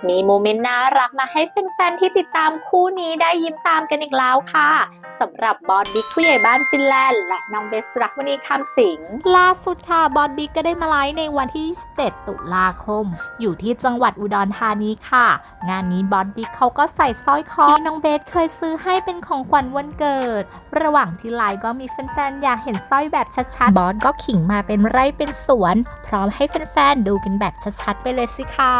มีโมเมนต์น่ารักมาให้แฟนๆที่ติดตามคู่นี้ได้ยิ้มตามกันอีกแล้วค่ะสำหรับบอสบิ๊กผู้ใหญ่บ้านฟินแลนด์และน้องเบสรักมณีคำสิงล่าสุดค่ะบอสบิ๊กก็ได้มาไลฟ์ในวันที่27ตุลาคมอยู่ที่จังหวัดอุดรธานีค่ะงานนี้บอสบิ๊กเขาก็ใส่สร้อยคอที่น้องเบสเคยซื้อให้เป็นของขวัญวันเกิดระหว่างที่ไลฟ์ก็มีแฟนๆอยากเห็นสร้อยแบบชัดๆบอสก็ขิงมาเป็นไร่เป็นสวนพร้อมให้แฟนๆดูกันแบบชัดๆไปเลยสิคะ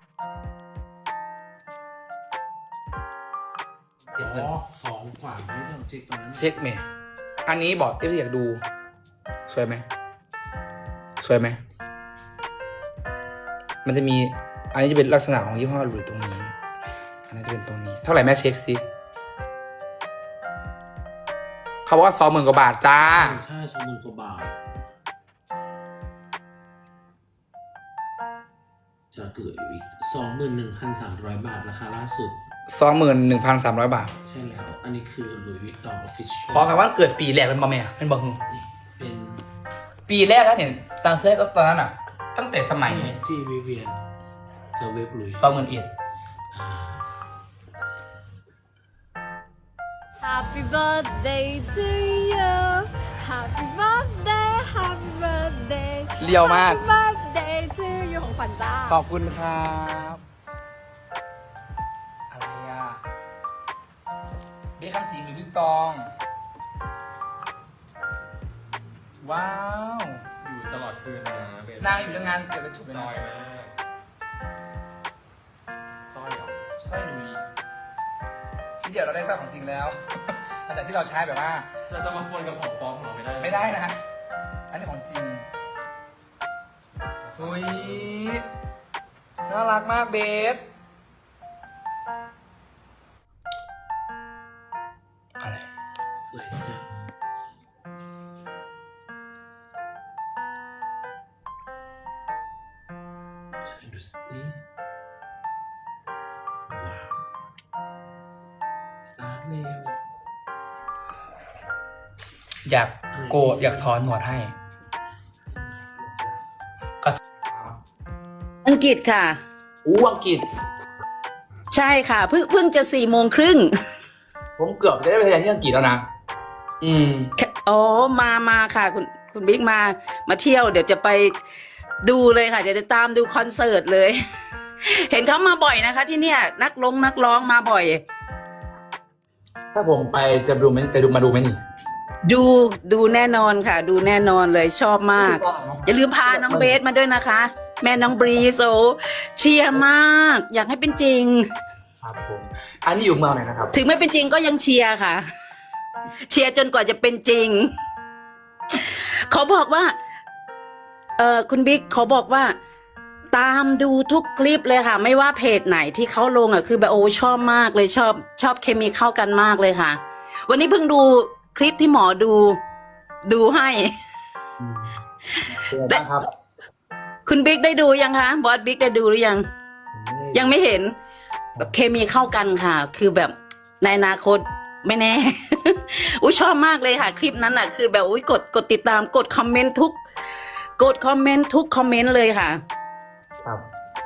ของขวัญให้ทำเช็คตอนนั้นเช็คเมย์อันนี้บอกเอฟซีอยากดูสวยไหมสวยไหมมันจะมีอันนี้จะเป็นลักษณะของยี่ห้อหลุยตรงนี้อันนี้จะเป็นตรงนี้เท่าไหร่แม่เช็คสิเขาบอกว่า20,000 กว่าบาทจ้าใช่20,000 กว่าบาทจะเหลืออยู่อีก21,300 บาทราคาล่าสุด 21,300 บาทใช่แล้วอันนี้คือหลุยส์วิตตองออฟฟิเชียลขอคำว่าเกิดปีแรกเป็นบอแม่เป็นบอฮึเป็นปีแรกแล้วเนี่ยตอนเซฟตอนนั้นอ่ะตั้งแต่สมัยจีวิเวียนจะเว็บหลุยส์ 21,000 Happy birthday to you Happy birthday Happy birthday เรียวมาก Happy birthday to you ของขวัญจ้าขอบคุณครับอะไรอ่ะเบคคำสิงหรือบิ๊กตอง ว้าวอยู่ตลอดคืนนะเบนนางอยู่ยังงานเกิดกระจุกเลยซนะอยมากสร้อยเหรอสร้อยหลุยที่เดี๋ยวเราได้สร้อยของจริงแล้ว หลังจากที่เราใช้แบบว่าเราจะมาปนกับของปลอมของเราไม่ได้ไม่ได้นะ อันนี้ของจริงเฮ้ยน่ารักมากเบสอะไรสวยจังช่วยดูสิว้าวอาร์ตเร็วอยากโกรธอยากถอนหนวดให้ก็อังกฤษค่ะอังกฤษใช่ค่ะเพิ่งจะ4:30 ผมเกือบจะได้ไปเรียนที่อังกฤษแล้วนะอ๋อมาค่ะคุณบิ๊กมาเที่ยวเดี๋ยวจะไปดูเลยค่ะเดี๋ยวจะตามดูคอนเสิร์ตเลย เห็นเขามาบ่อยนะคะ ที่เนี่ยนักร้องมาบ่อยถ้าผมไปจะดูไหมจะดูมาดูไหมนี่ดูแน่นอนค่ะ ดูแน่นอนเลยชอบมาก อย่าลืมพาน้องเบสมาด้วยนะคะ แม่น้องบรีโซเชียร์มาก อยากให้เป็นจริงครับผม อันนี้อยู่เมืองไหนนะครับถึงไม่เป็นจริงก็ยังเชียร์ค่ะ เชียร์จนกว่าจะเป็นจริง เขาบอกว่าคุณบิ๊กเขาบอกว่า ตามดูทุกคลิปเลยค่ะ ไม่ว่าเพจไหนที่เขาลงอ่ะคือแบบโอ้ชอบมากเลยชอบเคมีเข้ากันมากเลยค่ะ วันนี้เพิ่งดูคลิปที่หมอดูให้ได้ครับคุณบิ๊กได้ดูยังคะบอสบิ๊กได้ดูหรือยัง ยังไม่เห็นแบบเคมีเข้ากันค่ะ คือแบบในอนาคตไม่แน่ อุ้ยชอบมากเลยค่ะ คลิปนั้นอ่ะ คือแบบอุ้ยกดติดตามกดคอมเมนต์ทุกคอมเมนต์เลยค่ะครับ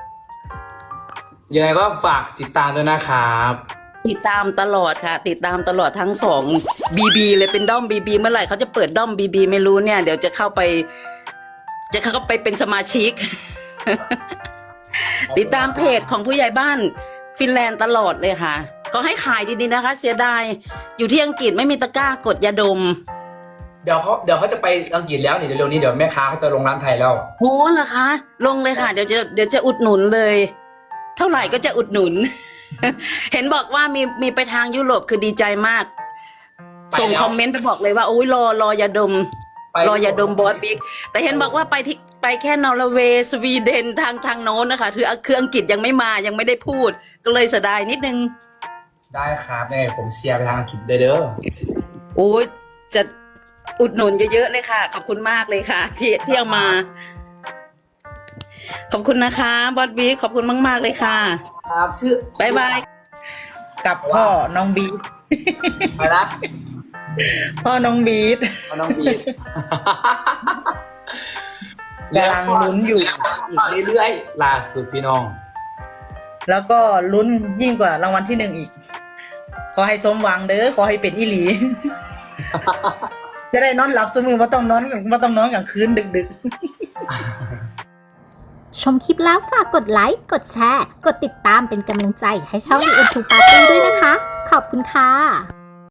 ยังไงก็ฝากติดตามด้วยนะครับติดตามตลอดค่ะ ติดตามตลอดทั้ง2 BB เลยเป็นด้อม BB เมื่อไหร่เขาจะเปิดด้อม BB ไม่รู้เนี่ย เดี๋ยวจะเข้าไปเป็นสมาชิก ติดตามเพจของผู้ใหญ่บ้านฟินแลนด์ตลอดเลยค่ะเขาให้ขายดีๆนะคะ เสียดายอยู่ที่อังกฤษไม่มีตะกร้ากดยาดมเดี๋ยวเขาจะไปอังกฤษแล้วนี่เร็วๆนี้เดี๋ยวแม่ค้าเขาจะลงร้านไทยแล้วโอ้เหรอคะ ลงเลยค่ะ เดี๋ยวจะอุดหนุนเลย เท่าไหร่ก็จะอุดหนุน เห็นบอกว่ามีไปทางยุโรปคือดีใจมาก ส่งคอมเมนต์ไปบอกเลยว่าโอ้ยรอยาดม รอยาดมบอสบิ๊กแต่เห็นบอกว่าไปแค่นอร์เวย์สวีเดนทางโน้นนะคะคืออังกฤษยังไม่มายังไม่ได้พูด ก็เลยเสียดายนิดนึงได้ครับยังไงผมเชียร์ไปทางอังกฤษเด้อโอ้ยจะอุดหนุนเยอะๆเลยค่ะ ขอบคุณมากเลยค่ะ ที่เอามา ขอบคุณนะคะบอสบิ๊กขอบคุณมากๆเลยค่ะครับชื่อบายบายกับพ่อน้องบีทไปนะพ่อน้องบีทน้องบีดกำลังลุ้นอยู่อีกเรื่อยๆล่าสุดพี่น้องแล้วก็ลุ้นยิ่งกว่ารางวัลที่ 1อีก ขอให้สมหวังเด้อขอให้เป็นอีหลี จะได้นอนหลับเสมอว่าต้องนอนกลางคืนดึกๆชมคลิปแล้วฝากกดไลค์ กดแชร์ กดติดตามเป็นกำลังใจให้ช่อง The End to Party ด้วยนะคะ ขอบคุณค่ะ